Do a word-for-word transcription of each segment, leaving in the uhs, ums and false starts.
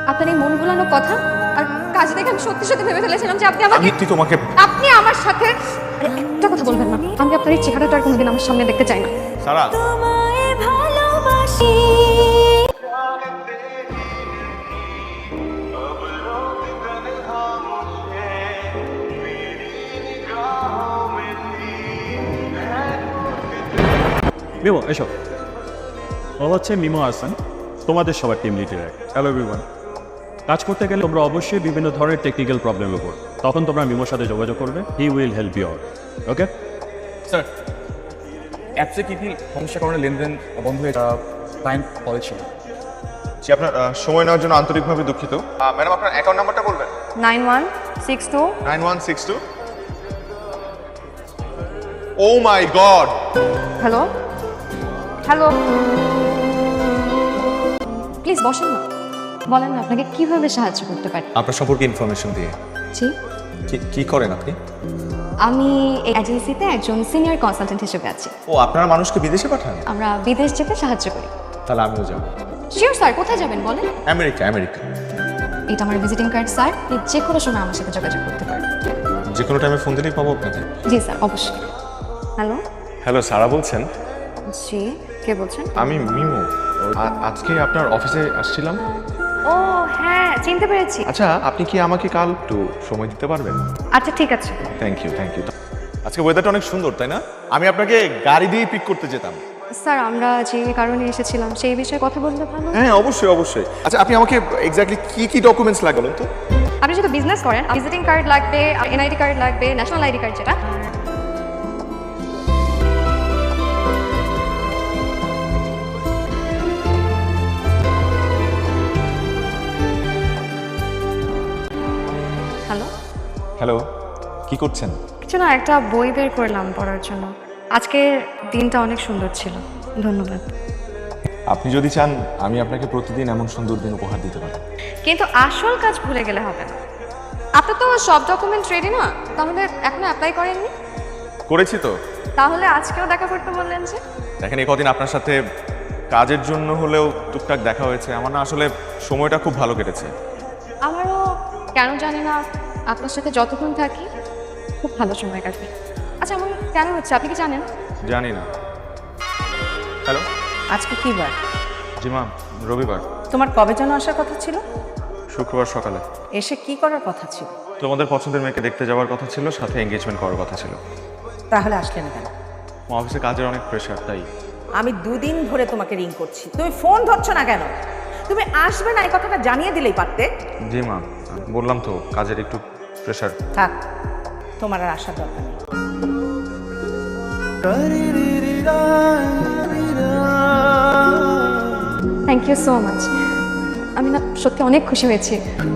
আপনার এই মন ভোলানো কথা আর কাজ দেখে আমি সত্যি সত্যি ভেবে ফেলেছিলাম যে আপনি আমাকে আমি তোমাকে আপনি আমার সাথে আরে একটা কথা বলবেন না, আমি আপনার এই চেহারাটা আর কোনোদিন আমার সামনে দেখতে চাই না। সারা তোমায় ভালোবাসি। মিমো এসো। ও হচ্ছে মিমো হাসান, তোমাদের সবার টিম লিডার। Hello everyone. কাজ করতে গেলে তোমরা অবশ্যই বিভিন্ন ধরনের টেকনিক্যাল প্রবলেমের উপর, তখন তোমরা মিমোর সাথে যোগাযোগ করবে। He will help you out. Okay sir, অ্যাপসে কী কী সমস্যার কারণে লেনদেন বন্ধ হয়ে ক্লায়েন্ট বলেছিল? জি, আপনার আহ, সময় নেওয়ার জন্য আন্তরিকভাবে দুঃখিত। ম্যাডাম, আপনার অ্যাকাউন্ট নাম্বারটা বলবেন? Nine one six two nine one six two oh my God. Hello hello please বসেন না, বলেন না আপনাকে কিভাবে সাহায্য করতে পারি। আপনার সম্পর্কে ইনফরমেশন দিয়ে। জি, কি- কি করেন আপনি? আমি এই এজেন্সিতে একজন সিনিয়র কনসালটেন্ট হিসেবে আছি। ও, আপনারা মানুষকে বিদেশে পাঠান? আমরা বিদেশ যেতে সাহায্য করি। তাহলে আমিও যাব। শিওর স্যার, কোথায় যাবেন বলেন? আমেরিকা আমেরিকা এটা আমার ভিজিটিং কার্ড স্যার, আপনি যে কোনো সময় আমার সাথে যোগাযোগ করতে পারেন। যে কোনো টাইমে ফোন দিলেই পাবো আপনাকে? জি স্যার, অবশ্যই। হ্যালো, হ্যালো, সারা বলছেন? জি, কে বলছেন? আমি মিমো, আ- আজকে আপনার অফিসে আসছিলাম। ও হ্যাঁ, চিনতে পেরেছি। আচ্ছা, আপনি কি আমাকে কাল একটু সময় দিতে পারবেন? আচ্ছা ঠিক আছে। Thank you thank you. আজকে ওয়েদারটা অনেক সুন্দর, তাই না? আমি আপনাকে গাড়ি দিয়ে পিক করতে যেতাম। স্যার, আমরা যে কারণে এসেছিলাম সেই বিষয়ে কথা বললে ভালো। হ্যাঁ, অবশ্যই অবশ্যই। আচ্ছা, আপনি আমাকে এক্স্যাক্টলি কি কি ডকুমেন্টস লাগবে বলুন তো? আপনি যেহেতু বিজনেস করেন, ভিজিটিং কার্ড লাগবে, এনআইডি কার্ড লাগবে, ন্যাশনাল আইডি কার্ড যেটা। হ্যালো, হ্যালো, কি করছেন? কিছু না, একটা বই বের করলাম পড়ার জন্য। আজকের দিনটা অনেক সুন্দর ছিল, ধন্যবাদ। আপনি যদি চান আমি আপনাকে প্রতিদিন এমন সুন্দর দিন উপহার দিতে পারি। কিন্তু আসল কাজ ভুলে গেলে হবে না। আপনার তো সব ডকুমেন্ট রেডি না, তাহলে এখনো অ্যাপ্লাই করেননি? করেছি তো। তাহলে আজকেও দেখা করতে বললেন যে? দেখেন, এই কদিন আপনার সাথে কাজের জন্য হলেও টুকটাক দেখা হয়েছে। আমার না আসলে সময়টা খুব ভালো কেটেছে। আমারও কেন জানি না আপনার সাথে যতক্ষণ থাকি খুব ভালো সময় কাটবে। আচ্ছা, এমন কেন হচ্ছে আপনি কি জানেন? জানি না। হ্যালো। আজকে কি বার? জি মা, রবিবার। তোমার কবে যেন আসার কথা ছিল? শুক্রবার সকালে। এসে কি করার কথা ছিল? তোমাদের পছন্দের মেয়েকে দেখতে যাওয়ার কথা ছিল, সাথে এঙ্গেজমেন্ট করার কথা ছিল। তাহলে আসলে না কেন? আমার অফিসে কাজের অনেক প্রেশার, তাই। আমি দুদিন ধরে তোমাকে রিং করছি, তুমি ফোন ধরছো না কেন? তুমি আসবে না এই কথাটা জানিয়ে দিলেই পারতে। জি মা, বললাম তো কাজের একটু প্রেশার। থাক, তোমার আর আসার দরকার নেই। Thank you so much. আমি না সত্যি অনেক খুশি হয়েছি।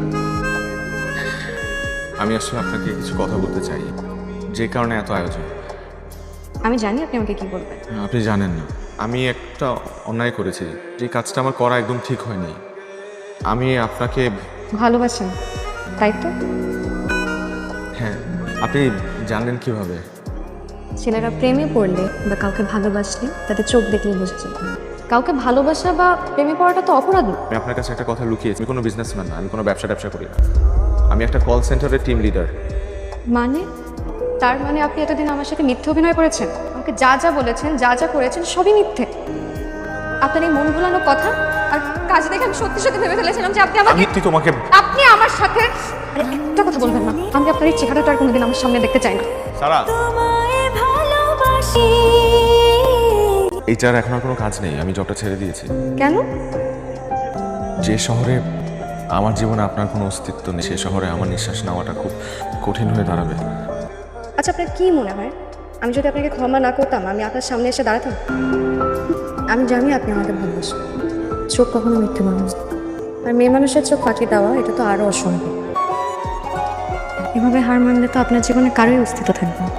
আমি আসলে আপনাকে কিছু কথা বলতে চাই, যে কারণে এত আয়োজন। আমি জানি আপনি আমাকে কি বলবেন। আপনি জানেন না, আমি একটা অন্যায় করেছি। যে কাজটা আমার করা একদম ঠিক হয়নি। আমি আপনাকে ভালোবাসেন, তাই তো? হ্যাঁ। আপনি জানলেন কিভাবে? ছেলেরা প্রেমে পড়লে বা কাউকে ভালোবাসলে তাদের চোখ দেখলেই বোঝা যায়। কাউকে ভালোবাসা বা প্রেমে পড়াটা তো অপরাধ না। আমি আপনার কাছে একটা কথা লুকিয়েছি। আমি কোনো বিজনেসম্যান না, আমি কোনো ব্যবসা ট্যাবসা করি না। আমি একটা কল সেন্টারের টিম লিডার। মানে তার মানে আপনি এতদিন আমার সাথে মিথ্যে অভিনয় করেছেন? আমাকে যা যা বলেছেন, যা যা করেছেন সবই মিথ্যে। আপনার এই মন ভোলানো কথা আর কাজ দেখে আমি সত্যি সত্যি ভেবে ফেলেছিলাম যে আপনি আমাকে আমি তোমাকে আপনি আমার সাথে আরে একটা কথা বলবেন না, আমি আপনার এই চেহারাটা আর কোনোদিন আমার সামনে দেখতে চাই না। সারা, তোমায় ভালোবাসি। এইটার এখন আর কোনো কাজ নেই। আমি জবটা ছেড়ে দিয়েছি। কেন? যে শহরে আমার জীবনে আপনার কোনো অস্তিত্ব নেই, সে শহরে আমার নিঃশ্বাস নেওয়াটা খুব কঠিন হয়ে দাঁড়াবে। আচ্ছা, আপনার কি মনে হয় আমি যদি আপনাকে ক্ষমা না করতাম আমি আপনার সামনে এসে দাঁড়াতাম? আমি জানি আপনি আমাকে ভালোবাসেন, চোখ কখনো মিথ্যে মানুষ, আর মেয়ে মানুষের চোখ ফাঁকি দেওয়া এটা তো আরও অসম্ভব। এভাবে হার মানলে তো আপনার জীবনে কারোই অস্তিত্ব থাকবে না।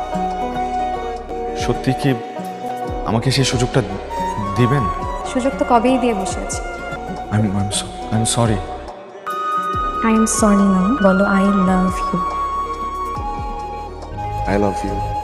সত্যি কি আমাকে সেই সুযোগটা দিবেন? সুযোগ তো কবেই দিয়ে বসে আছি। I am sorry. I am sorry না, বলো I love you. I love you.